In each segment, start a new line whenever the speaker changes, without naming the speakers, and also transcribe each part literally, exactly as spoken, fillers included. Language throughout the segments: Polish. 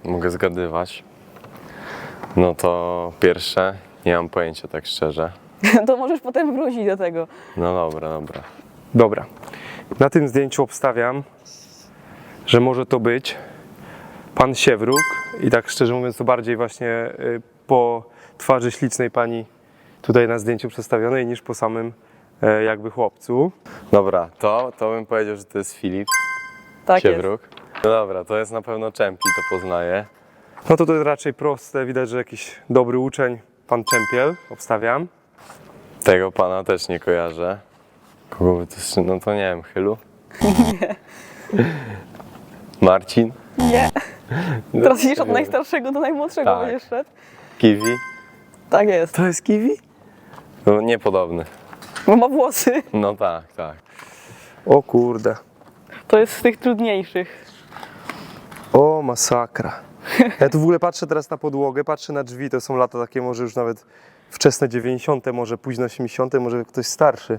mogę zgadywać. No to pierwsze, nie mam pojęcia tak szczerze.
To możesz potem wrócić do tego.
No dobra, dobra.
Dobra. Na tym zdjęciu obstawiam, że może to być pan Siewruk i tak szczerze mówiąc to bardziej właśnie y, po twarzy ślicznej pani tutaj na zdjęciu przedstawionej niż po samym e, jakby chłopcu.
Dobra, to, to bym powiedział, że to jest Filip
Tak
Siewruk. No dobra, to jest na pewno Czempi, to poznaję.
No to to jest raczej proste, widać, że jakiś dobry uczeń, pan Czempiel, obstawiam.
Tego pana też nie kojarzę. Kogo by to jeszcze, no to nie wiem, Chylu?
Nie.
Marcin?
jest. Nie.
No,
Teraz idziesz od
nie.
najstarszego do najmłodszego
Tak.
będziesz szedł.
Kiwi?
Tak jest.
To jest Kiwi?
No niepodobny.
Bo ma włosy.
No tak, tak.
O kurde.
To jest z tych trudniejszych.
O masakra. Ja tu w ogóle patrzę teraz na podłogę, patrzę na drzwi, to są lata takie może już nawet wczesne dziewięćdziesiąte, może późno osiemdziesiąte, może ktoś starszy.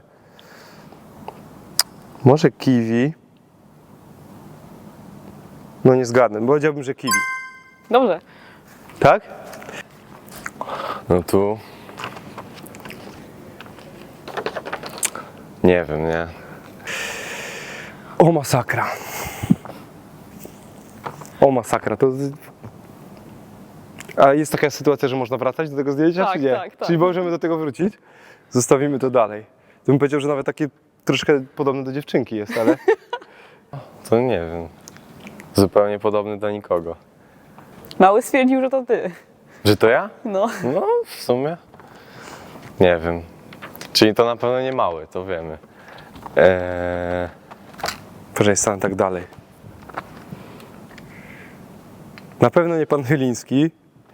Może Kiwi. No nie zgadnę, bo powiedziałbym, że Kiwi.
Dobrze.
Tak?
No tu... Nie wiem, nie?
O masakra. O masakra, to... A jest taka sytuacja, że można wracać do tego zdjęcia,
Tak,
czy nie?
tak, tak.
Czyli możemy do tego wrócić? Zostawimy to dalej. To bym powiedział, że nawet takie troszkę podobne do dziewczynki jest, ale...
To nie wiem. Zupełnie podobny do nikogo.
Mały stwierdził, że to ty.
Że to ja?
No.
No, w sumie. Nie wiem. Czyli to na pewno nie mały, to wiemy. Eee,
Proszę, stanę tak dalej. Na pewno nie pan Chyliński.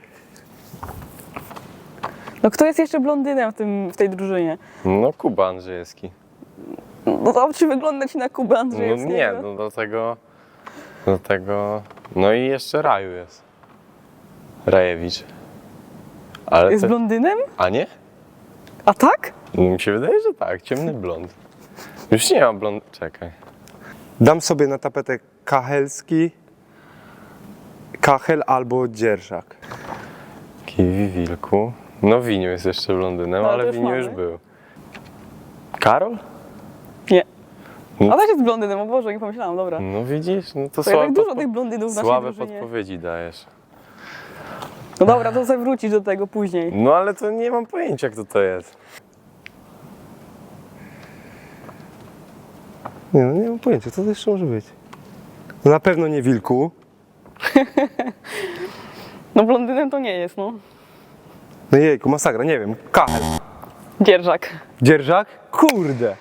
No kto jest jeszcze blondynem w, tym, w tej drużynie?
no, Kuba Andrzejewski.
No to czy wygląda ci na Kubę
No
Andrzejewskiego?
nie, no do tego... Do tego... No i jeszcze Raju jest. Rajewicz. Ale
Jest
to...
blondynem?
A nie?
A tak?
No, mi się wydaje, że tak. Ciemny blond. Już nie mam blond... Czekaj.
Dam sobie na tapetę Kachelski, Kachel albo Dzierżak.
Kiwi, Wilku. No Winiu jest jeszcze blondynem,
No, to
ale
już
Winiu już
mamy.
był. Karol?
Nie.
No.
A też jest blondynem, o Boże, nie pomyślałam, dobra.
No widzisz, no to
To
słabe,
jednak dużo
podpo-
tych blondynów w naszej
słabe
drużynie.
podpowiedzi dajesz.
No dobra, to sobie wrócić do tego później.
No ale to nie mam pojęcia, kto to jest.
Nie, no nie mam pojęcia, co to jeszcze może być. No na pewno nie Wilku.
No blondynem to nie jest, no.
No jejku, masakra, nie wiem. Kachel.
Dzierżak.
Dzierżak? Kurde.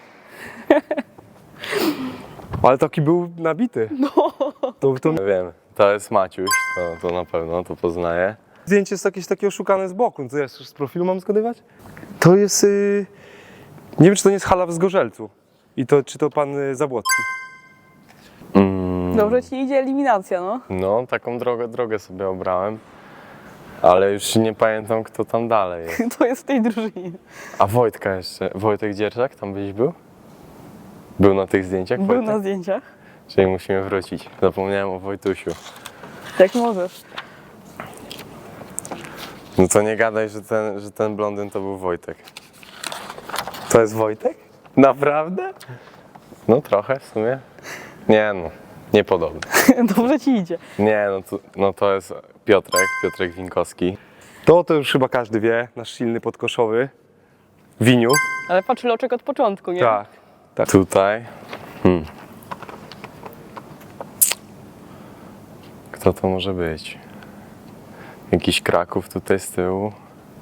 Ale taki był nabity. No. To, to
No wiem, to jest Maciuś, to, to na pewno, to poznaję.
zdjęcie jest jakieś takie oszukane z boku. No to ja z profilu mam zgadywać? To jest... y, Nie wiem, czy to nie jest hala w Zgorzelcu. I to, czy to pan y, Zabłocki.
Mm,
Dobrze ci idzie eliminacja, no.
no, taką drogę, drogę sobie obrałem. Ale już nie pamiętam, kto tam dalej jest.
To jest w tej drużynie.
A Wojtka jeszcze, Wojtek Dzierżak, tam byś był? Był na tych zdjęciach
Był
Wojtek?
na zdjęciach.
Czyli musimy wrócić. Zapomniałem o Wojtusiu.
Jak możesz.
No to nie gadaj, że ten, że ten blondyn to był Wojtek.
To jest Wojtek?
Naprawdę? No trochę w sumie. Nie no, niepodobny.
Dobrze ci idzie.
Nie no to, no to jest Piotrek, Piotrek Winkowski.
To to już chyba każdy wie. Nasz silny podkoszowy. Winiu.
Ale patrz loczek od początku, nie?
Tak. tak.
Tutaj. Hmm. Kto to może być? Jakiś Kraków tutaj z tyłu.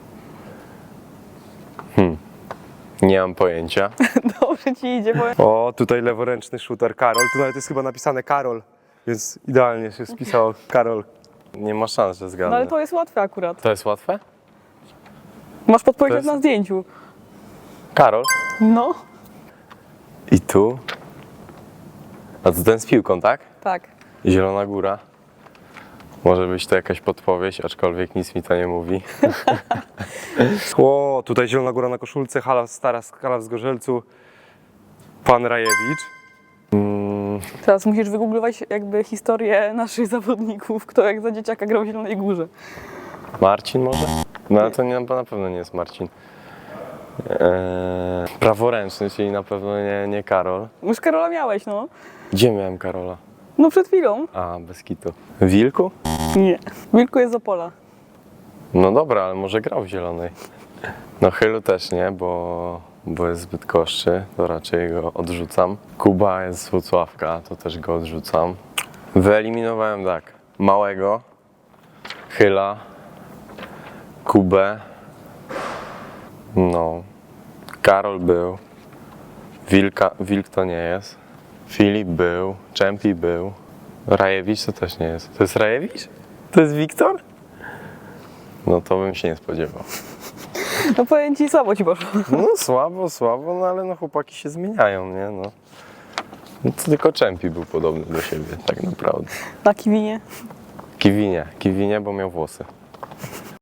Hmm. Nie mam pojęcia.
Dobrze ci idzie, bo
O, tutaj leworęczny shooter Karol. Tu nawet jest chyba napisane Karol. Więc idealnie się spisało Karol.
Nie ma szans, że
no
zgadnę.
ale to jest łatwe akurat.
To jest łatwe?
Masz podpowiedź
To jest-
na zdjęciu.
Karol?
No.
I tu? A to ten z piłką, tak?
Tak.
Zielona Góra. Może być to jakaś podpowiedź, aczkolwiek nic mi to nie mówi.
O, tutaj Zielona Góra na koszulce, hala stara hala w Zgorzelcu. Pan Rajewicz.
Mm,
Teraz musisz wygooglować jakby historię naszych zawodników, kto jak za dzieciaka grał w Zielonej Górze.
Marcin może? No ale to nie, na pewno nie jest Marcin. Eee, praworęczny, czyli na pewno nie, nie Karol.
Już Karola miałeś, no.
Gdzie miałem Karola?
No przed chwilą.
A, bez kitu. Wilku?
Nie. Wilku jest z Opola.
No dobra, ale może grał w zielonej. No Chylu też nie, bo, bo jest zbyt koszczy, to raczej go odrzucam. Kuba jest z Włocławka, to też go odrzucam. Wyeliminowałem tak, Małego, Chyla, Kubę, no, Karol był, Wilka, Wilk to nie jest, Filip był, Czempi był, Rajewicz to też nie jest. To jest Rajewicz? To jest Wiktor? No to bym się nie spodziewał.
No powiem ci, słabo ci poszło.
No słabo, słabo, no ale no chłopaki się zmieniają, nie no. No to tylko Czempi był podobny do siebie, tak naprawdę.
Na Kiwinie.
Kiwinie, Kiwinie, bo miał włosy.